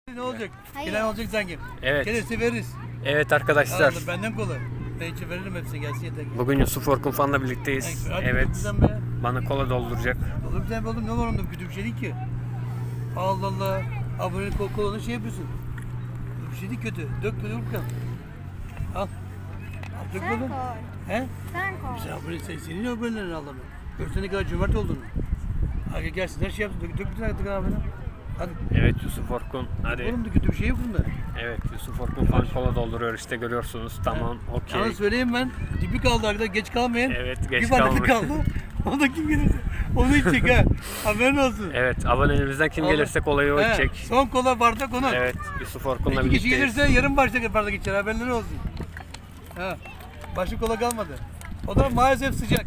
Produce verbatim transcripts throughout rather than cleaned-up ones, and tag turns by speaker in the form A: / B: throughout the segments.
A: Ne olacak?
B: Hayır.
A: Gelen olacak sanki.
C: Evet.
A: Gelirse veririz.
C: Evet arkadaşlar.
A: Anladım, benden kolay. Ben içi veririm hepsine gelsin yeter ki.
C: Bugün Yusuf Orkun Fan'la birlikteyiz.
A: Hadi
C: Evet.
A: güzel be.
C: Bana kola dolduracak.
A: Olur güzel be oğlum, ne var onda, kötü bir şey değil ki. Allah Allah. Abonelik kol kolunu şey yapıyorsun. Bir şey değil, kötü. Dök dök bakalım. Al. Al dök
B: Sen
A: bakalım.
B: koy.
A: He?
B: Sen koy.
A: Sen abone, sen, senin abonelerini Allah'ım. Görsene ne kadar cömert olduğunu. Hadi gelsin her şey yapsın. Dök, dök bir tane tık abone. Hadi.
C: Evet Yusuf Orkun. Hadi.
A: Oğlum da kötü bir şey yok bunda.
C: Evet Yusuf Orkun Fan kola dolduruyor işte görüyorsunuz. Tamam okey.
A: Sana söyleyeyim ben. Dibi kaldı arkadaşlar, geç kalmayın.
C: Evet, geç
A: bir bardak
C: kalmayın.
A: kaldı. O da kim gelirse. Onu içecek ha. Haberin olsun.
C: Evet abonelerimizden kim
A: Allah-
C: gelirse kolayı o
A: He,
C: içecek.
A: Son kola bardak onun.
C: Evet Yusuf Orkun'la
A: İki kişi
C: birlikteyiz.
A: gelirse yarım bardak bardak içer, haberleri olsun. Ha. Başka kola kalmadı. O da maalesef sıcak.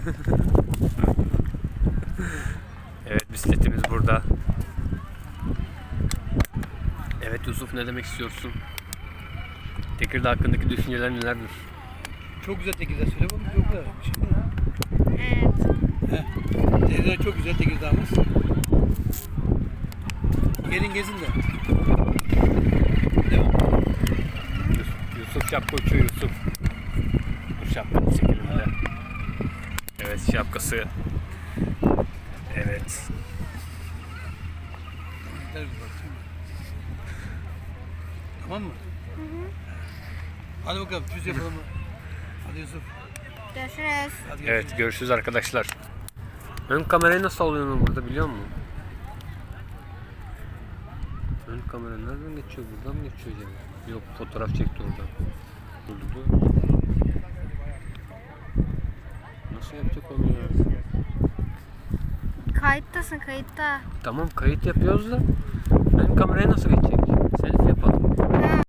C: Evet bisikletimiz burada. Evet Yusuf ne demek istiyorsun? Tekirdağ hakkındaki düşünceler nelerdir?
A: Çok güzel Tekirdağ, söyle bakalım, çok güzel. Bir şey değil mi?
B: Evet.
A: He. Tekirdağ çok güzel, Tekirdağ'ımız. Gelin gezin de. Değil mi?
C: Yusuf, Yusuf şapka uçuyor Yusuf. Bu şapkanın çekiminde. Evet şapkası. Evet.
A: Gel bir bak şimdi. Tamam mı?
B: Hı hı.
A: Hadi bakalım, çüz yapalım mı? Hadi Yusuf.
B: Görüşürüz.
A: Hadi
C: Evet görüşürüz arkadaşlar. Ön kamerayı nasıl alıyorsun burada biliyor musun? Ön kamera nereden geçiyor? Buradan mı geçiyor acaba? Yok fotoğraf çekti oradan. Durdu. Nasıl yapacak onu ya?
B: Kayıttasın, kayıtta.
C: Tamam kayıt yapıyoruz da ön kameraya nasıl geçecek?